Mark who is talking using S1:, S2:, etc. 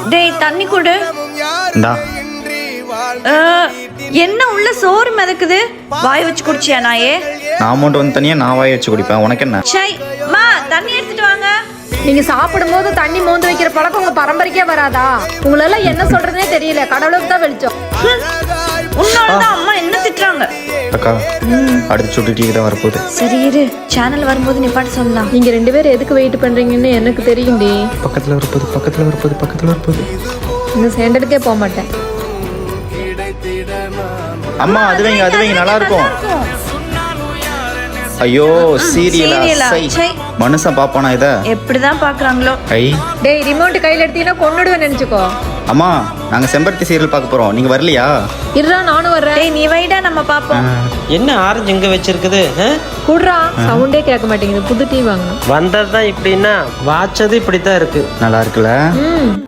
S1: டேய் தண்ணி குடு.
S2: இந்தா.
S1: என்ன உள்ள சோறு மிதக்குது? வாய் வச்சு குடிச்சியா நாயே?
S2: நான் அமௌண்ட் வந்து தனியா நான் வாய் வச்சு குடிப்பேன், உனக்கு என்ன?
S1: சை மா தண்ணி எடுத்துட்டு வாங்க.
S3: நீங்க சாப்பிடும் போது தண்ணி மோந்து வைக்கிற பழக்கம் உங்க பரம்பரைக்கே வராதா? உங்களெல்லாம் என்ன சொல்றதுனே தெரியல. கடவுளுக்கு தான் வெளிச்சம்.
S1: உன்னாலதான் அம்மா என்ன திட்டுறாங்க.
S2: அக்கா அடுத்து சுட்டுட்டு தான் வரப்போகுது.
S1: சரி இரு, சேனல் வரும்போது நிப்பாட்டு சொல்லலாம்.
S3: நீங்க 2 பேரும் எதுக்கு வெயிட் பண்றீங்கன்னு எனக்கு தெரியும்டி.
S2: பக்கத்துல வரப்போகுது.
S3: இன்னும் சேர்ந்ததுக்கே போக மாட்டேன்.
S2: அம்மா அது வைங்க நல்லா இருக்கும். ஐயோ சீரியலா?
S1: சை.
S2: மனுஷன் பாப்பானா இத?
S1: எப்படிதான் பாக்குறாங்களோ.
S2: ஐ
S3: டேய் ரிமோட் கையில எடுத்தீங்கன்னா கொன்னுடுவேன் நினைச்சுக்கோ.
S2: அம்மா நாங்க செம்பருத்தி சீரியல் பார்க்க போறோம், நீங்க வரலையா?
S3: இருடா நானும் வர்றேன்.
S1: டேய் நீ வைடா நம்ம பாப்போம்.
S4: என்ன ஆரஞ்சு இங்க வச்சிருக்குது?
S3: குடுறா, சவுண்டே கேட்க மாட்டேங்குது. புது டீ வாங்கணும்.
S4: வந்ததுதான் இப்படின்னா வாச்சது இப்படித்தான் இருக்கு.
S2: நல்லா இருக்குல்ல?